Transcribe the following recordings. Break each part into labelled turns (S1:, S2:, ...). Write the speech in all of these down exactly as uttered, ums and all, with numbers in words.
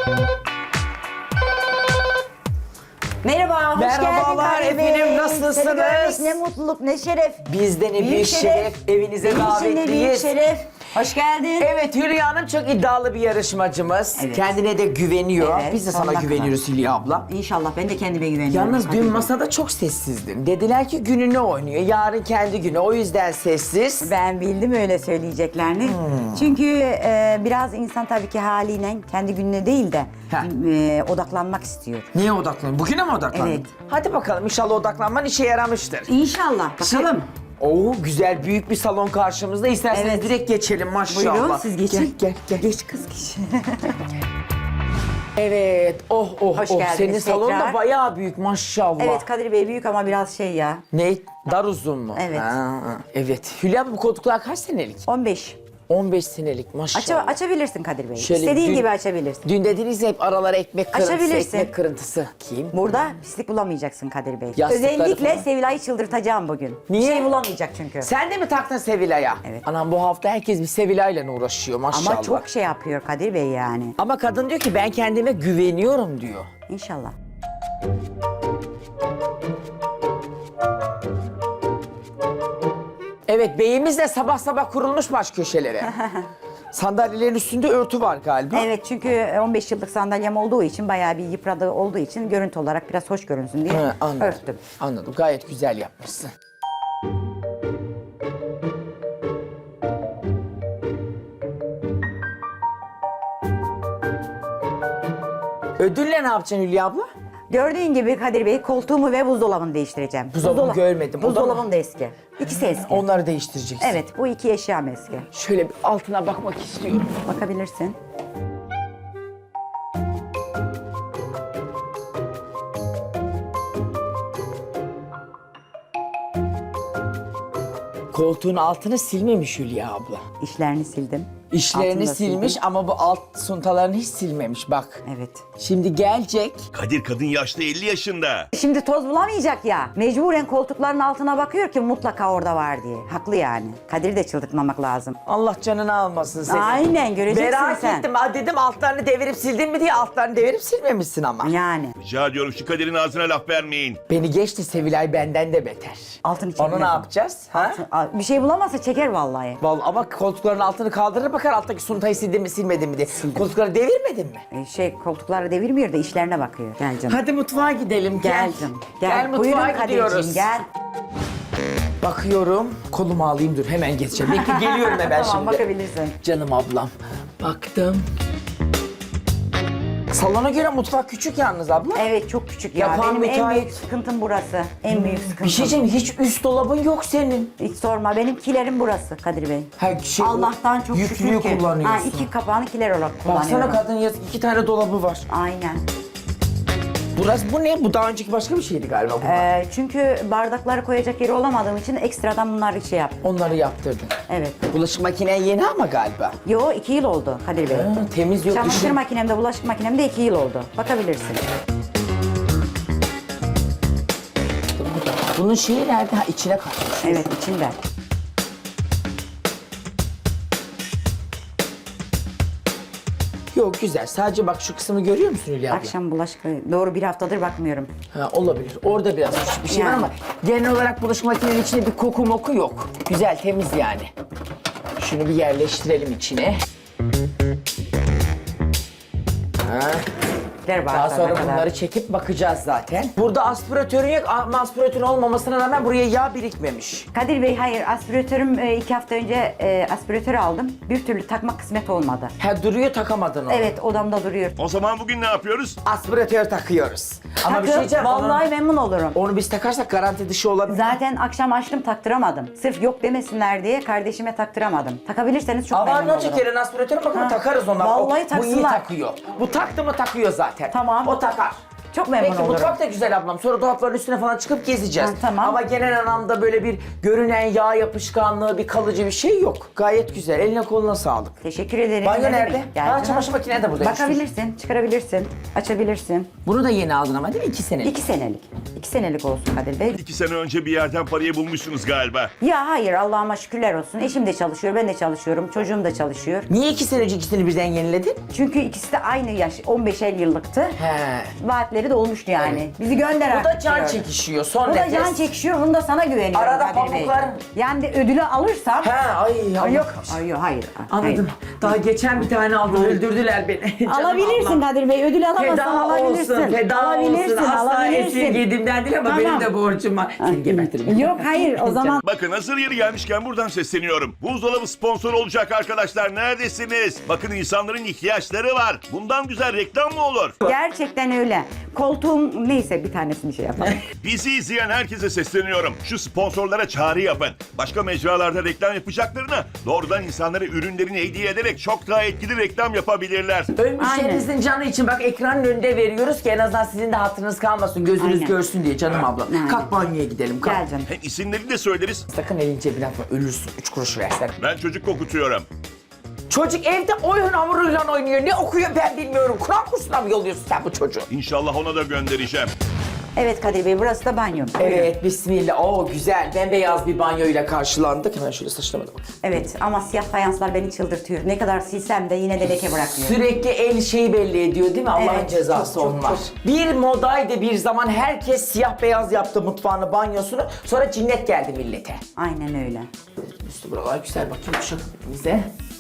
S1: Merhaba, hoş
S2: Merhabalar
S1: geldin Kadir
S2: efendim,
S1: Bey.
S2: nasılsınız?
S1: Seni görmek ne mutluluk, ne şeref.
S2: Bizden ne büyük şeref, evinize
S1: Benim için de büyük
S2: davetliyiz.
S1: şeref. Hoş geldin.
S2: Evet, Hülya Hanım çok iddialı bir yarışmacımız.
S1: Evet.
S2: Kendine de güveniyor.
S1: Evet,
S2: Biz de sana
S1: sonuna
S2: güveniyoruz Hülya abla.
S1: İnşallah ben de kendime güveniyorum.
S2: Yalnız
S1: Kadir
S2: dün
S1: Bey.
S2: masada çok sessizdin. Dediler ki gününü oynuyor. Yarın kendi günü. O yüzden sessiz.
S1: Ben bildim öyle söyleyeceklerini.
S2: Hmm.
S1: Çünkü e, biraz insan tabii ki haliyle kendi gününe değil de e, odaklanmak istiyor.
S2: Niye odaklandın? Bugüne mi odaklandın?
S1: Evet.
S2: Hadi bakalım, inşallah odaklanman işe yaramıştır.
S1: İnşallah. Bakalım.
S2: Oo, güzel büyük bir salon karşımızda. İsterseniz
S1: Evet.
S2: direkt geçelim maşallah.
S1: Buyurun siz geçin.
S2: Gel gel gel.
S1: Geç kız geç.
S2: Evet. Oh oh
S1: Hoş
S2: oh.
S1: geldiniz
S2: Senin salon da
S1: tekrar.
S2: bayağı büyük maşallah.
S1: Evet Kadir Bey büyük ama biraz şey ya.
S2: Ne? Dar uzun mu?
S1: Evet.
S2: Ha, evet. Hülya, bu koltuklar kaç senelik?
S1: on beş.
S2: on beş senelik maşallah.
S1: Aça, açabilirsin Kadir Bey.
S2: Şöyle
S1: İstediğin
S2: dün-
S1: gibi açabilirsin.
S2: Dün dediniz ya, hep aralara ekmek kırıntısı,
S1: Açabilirsin.
S2: ekmek kırıntısı. Kim?
S1: Burada pislik bulamayacaksın Kadir Bey.
S2: Yastıkları
S1: Özellikle
S2: falan.
S1: Sevilay'ı çıldırtacağım bugün.
S2: Niye?
S1: Bir şey bulamayacak çünkü.
S2: Sen de mi taktın Sevilay'a?
S1: Evet.
S2: Anam, bu hafta herkes bir Sevilay'la uğraşıyor maşallah.
S1: Ama çok şey yapıyor Kadir Bey yani.
S2: Ama kadın diyor ki ben kendime güveniyorum diyor.
S1: İnşallah.
S2: Evet, beyimiz de sabah sabah kurulmuş baş köşelere. Sandalyelerin üstünde örtü var galiba.
S1: Evet çünkü on beş yıllık sandalyem olduğu için bayağı bir yıpradığı olduğu için görüntü olarak biraz hoş görünsün diye
S2: He, anladım.
S1: örttüm.
S2: Anladım. Gayet güzel yapmışsın. Ödülle ne yapacaksın Hülya abla?
S1: Gördüğün gibi Kadir Bey koltuğumu ve buzdolabını değiştireceğim.
S2: Buzdolabını görmedim. O da mı?
S1: Buzdolabım da eski. İkisi eski.
S2: Onları değiştireceksin.
S1: Evet bu iki eşyam eski.
S2: Şöyle bir altına bakmak istiyorum.
S1: Bakabilirsin.
S2: Koltuğun altını silmemiş Hülya abla.
S1: İşlerini sildim.
S2: İşlerini
S1: Altını da
S2: silmiş
S1: sildim.
S2: ama bu alt suntalarını hiç silmemiş bak.
S1: Evet.
S2: Şimdi gelecek.
S3: Kadir kadın yaşta elli yaşında.
S1: Şimdi toz bulamayacak ya. Mecburen koltukların altına bakıyor ki mutlaka orada var diye. Haklı yani. Kadir'i de çıldırtmamak lazım.
S2: Allah canını almasın seni.
S1: Aynen göreceksin
S2: Merak
S1: sen.
S2: ettim. Ha, dedim altlarını devirip sildin mi diye, altlarını devirip silmemişsin ama.
S1: Yani.
S3: Rica ediyorum şu Kadir'in ağzına laf vermeyin.
S2: Beni geçti, Sevilay benden de beter.
S1: Altını çekmez.
S2: Onu ne yapacağız? Ha?
S1: Bir şey bulamazsa çeker vallahi.
S2: Vallahi ama koltukların altını kaldırır bakar, alttaki suntayı sildin mi silmedin mi diye. Koltukları devirmedin mi?
S1: Ee, Şey koltukları devirmiyor da işlerine bakıyor. Gel canım.
S2: Hadi mutfağa gidelim.
S1: Gel canım. Gel,
S2: Gel mutfağa
S1: Buyurun
S2: gidiyoruz.
S1: Kadir'ciğim gel.
S2: Bakıyorum. Kolumu alayım, dur hemen geçeceğim. Bekle, geliyorum hemen
S1: Tamam
S2: şimdi.
S1: bakabilirsin.
S2: Canım ablam. Baktım. Salona göre mutfak küçük yalnız abla.
S1: Evet çok küçük ya.
S2: Yapan
S1: Benim en
S2: müteahhit.
S1: büyük sıkıntım burası. En büyük sıkıntım.
S2: Bir şey diyeceğim, hiç üst dolabın yok senin.
S1: Hiç sorma. Benimkilerim burası Kadir Bey.
S2: Ha, şey,
S1: Allah'tan çok
S2: yüklüyü
S1: şükür ki.
S2: kullanıyorsun.
S1: Ha, iki kapağını kiler olarak
S2: Baksana
S1: kullanıyorum.
S2: kadın, yaz iki tane dolabı var.
S1: Aynen.
S2: Burası bu ne? Bu daha önceki başka bir şeydi galiba bu.
S1: Ee, çünkü bardakları koyacak yeri olamadığım için ekstradan bunları şey yaptım.
S2: Onları yaptırdın.
S1: Evet.
S2: Bulaşık makinen yeni ama galiba.
S1: Yo iki yıl oldu Kadir Bey.
S2: Ha, temiz yok.
S1: Çamaşır
S2: işin-
S1: makinemde, bulaşık makinemde iki yıl oldu. Bakabilirsin.
S2: Bunun şeyi nerede? Ha, içine katmış.
S1: Evet içinde.
S2: Yok, güzel. Sadece bak şu kısmı görüyor musun Hülya abla?
S1: Akşam bulaşık... Doğru bir haftadır bakmıyorum.
S2: Ha, olabilir. Orada biraz bir şey var
S1: Yani.
S2: ama genel olarak bulaşık makinenin içinde bir koku moku yok. Güzel, temiz yani. Şunu bir yerleştirelim içine. Ha.
S1: Der
S2: Daha
S1: bağırsana
S2: sonra
S1: kadar.
S2: bunları çekip bakacağız zaten. Burada aspiratörün yok ama aspiratörün olmamasına rağmen buraya yağ birikmemiş.
S1: Kadir Bey hayır aspiratörüm e, iki hafta önce e, aspiratör aldım. Bir türlü takmak kısmet olmadı.
S2: Ha, duruyor, takamadın onu.
S1: Evet odamda duruyor.
S3: O zaman bugün ne yapıyoruz?
S2: Aspiratör takıyoruz. Ama bir şey
S1: Takın,
S2: diyeceğim.
S1: vallahi
S2: Onu,
S1: memnun olurum.
S2: onu biz takarsak garanti dışı olabilir.
S1: Zaten akşam açtım taktıramadım. Sırf yok demesinler diye kardeşime taktıramadım. Takabilirseniz çok
S2: Ama
S1: memnun
S2: ne
S1: olurum.
S2: çekerin aspiratörü bakın,
S1: Ha.
S2: takarız ona.
S1: Vallahi
S2: O- Bu iyi
S1: taksınlar.
S2: takıyor. Bu taktı mı takıyor zaten.
S1: Tamam.
S2: O takar.
S1: Çok memnun
S2: Peki
S1: olurum.
S2: mutfak da güzel ablam. Sonra dolapların üstüne falan çıkıp gezeceğiz.
S1: Ha, tamam.
S2: Ama genel anlamda böyle bir görünen yağ yapışkanlığı, bir kalıcı bir şey yok. Gayet güzel. Eline koluna sağlık.
S1: Teşekkür ederim.
S2: Banyo
S1: Ne
S2: nerede?
S1: demek? Gel
S2: Ha,
S1: canım.
S2: çamaşır makine de buradaymış.
S1: Bakabilirsin, çıkarabilirsin, açabilirsin.
S2: Bunu da yeni aldın ama değil mi? İki senelik.
S1: İki senelik. İki senelik olsun Kadir Bey.
S3: İki sene önce bir yerden parayı bulmuşsunuz galiba.
S1: Ya hayır, Allah'ıma şükürler olsun. Eşim de çalışıyor, ben de çalışıyorum, çocuğum da çalışıyor.
S2: Niye iki sene önce ikisini birden yeniledin?
S1: Çünkü ikisi de aynı yaş, on beşer yıllıktı.
S2: He.
S1: Vaatleri dolmuştu yani.
S2: Evet.
S1: Bizi gönder
S2: Bu da
S1: artık
S2: can
S1: diyor.
S2: çekişiyor. Son
S1: Bu da
S2: nefes.
S1: can çekişiyor, bunu da sana güveniyorum
S2: Arada
S1: Kadir Bey.
S2: pamuklar-
S1: Yani de ödülü alırsam...
S2: He ay Allah.
S1: Ay, yok, ay, yok, hayır.
S2: Anladım. Daha geçen bir tane aldım. Öldürdüler beni. Canım
S1: Alabilirsin
S2: ablam.
S1: Kadir Bey, ödül alamazsan
S2: Feda
S1: alabilirsin.
S2: olsun, feda
S1: alabilirsin,
S2: olsun. Asla
S1: alabilirsin.
S2: esirgediğimden değil ama
S1: Tamam.
S2: benim de borcum var. Seni gebertirim.
S1: Yok hayır, o zaman...
S3: Bakın hazır yeri gelmişken buradan sesleniyorum. Buzdolabı sponsor olacak arkadaşlar. Neredesiniz? Bakın insanların ihtiyaçları var. Bundan güzel reklam mı olur?
S1: Gerçekten öyle. Koltuğum neyse bir tanesini şey yapalım.
S3: Bizi izleyen herkese sesleniyorum. Şu sponsorlara çağrı yapın. Başka mecralarda reklam yapacaklarına doğrudan insanlara ürünlerini hediye ederek çok daha etkili reklam yapabilirler.
S2: Ölmüşlerinizin canı için bak ekranın önünde veriyoruz ki en azından sizin de hatırınız kalmasın. Gözünüz
S1: Aynen.
S2: görsün diye canım abla.
S1: Aynen.
S2: Kalk banyoya gidelim kalk.
S1: Gel canım.
S3: Hem isimlerini de söyleriz.
S2: Sakın elin cebine atma ölürsün. Üç kuruş versen.
S3: Ben çocuk kokutuyorum.
S2: Çocuk evde oyun hamuruyla oynuyor. Ne okuyor ben bilmiyorum. Kur'an kursuna mı yolluyorsun sen bu çocuğu?
S3: İnşallah ona da göndereceğim.
S1: Evet Kadir Bey, burası da banyom. Buyurun.
S2: Evet bismillah. Oo güzel. Bembeyaz bir banyoyla karşılandık. Hemen şöyle saçlarıma da bakayım.
S1: Evet ama siyah fayanslar beni çıldırtıyor. Ne kadar silsem de yine de leke bırakmıyor.
S2: Sürekli el şeyi belli ediyor değil mi? Allah'ın
S1: Evet,
S2: cezası
S1: çok, çok,
S2: onlar.
S1: çok.
S2: Bir modaydı bir zaman herkes siyah beyaz yaptı mutfağını, banyosunu. Sonra cinnet geldi millete.
S1: Aynen öyle.
S2: Üstü buralar güzel bakayım şu bize.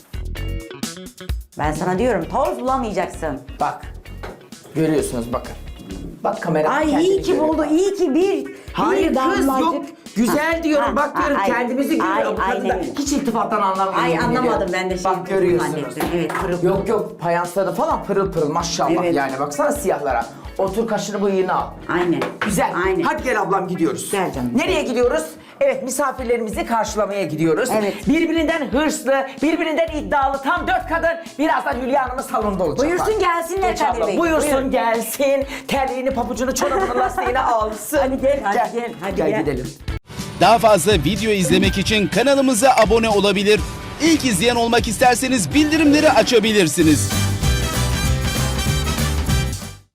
S1: Ben sana diyorum toz bulamayacaksın.
S2: Bak. Görüyorsunuz bakın. Bak kamera.
S1: Ay
S2: kendini
S1: iyi ki
S2: görüyor.
S1: buldu, iyi ki bir,
S2: Hayır
S1: bir
S2: kız
S1: damlacık.
S2: yok. Güzel
S1: Ha,
S2: diyorum
S1: ha,
S2: bak
S1: ha,
S2: diyorum
S1: ay,
S2: kendimizi görüyor.
S1: ay,
S2: Bu kadın da
S1: aynen öyle.
S2: hiç iltifattan anlamıyor.
S1: Ay
S2: yemin
S1: anlamadım
S2: ediyorum.
S1: ben de şey
S2: Bak görüyorsunuz.
S1: zannettim. Evet pırıl pırıl.
S2: Yok yok fayansları falan pırıl pırıl maşallah
S1: Evet.
S2: yani baksana siyahlara. Otur kaşını bıyığını al.
S1: Aynen.
S2: Güzel.
S1: Aynen.
S2: Hadi gel ablam gidiyoruz.
S1: Gel canım.
S2: Nereye gidiyoruz? Evet misafirlerimizi karşılamaya gidiyoruz.
S1: Evet.
S2: Birbirinden hırslı, birbirinden iddialı tam dört kadın. Birazdan Hülya Hanım'ın salonunda olacaklar.
S1: Buyursun gelsinler
S2: Geç
S1: Kadir
S2: abla,
S1: Bey.
S2: Buyursun
S1: Buyurun.
S2: gelsin. Terliğini, papucunu, çorabını, lastiğini alsın.
S1: Hadi gel, hadi gel, hadi
S2: gel.
S1: gel.
S2: gidelim.
S4: Daha fazla video izlemek için kanalımıza abone olabilir. İlk izleyen olmak isterseniz bildirimleri açabilirsiniz.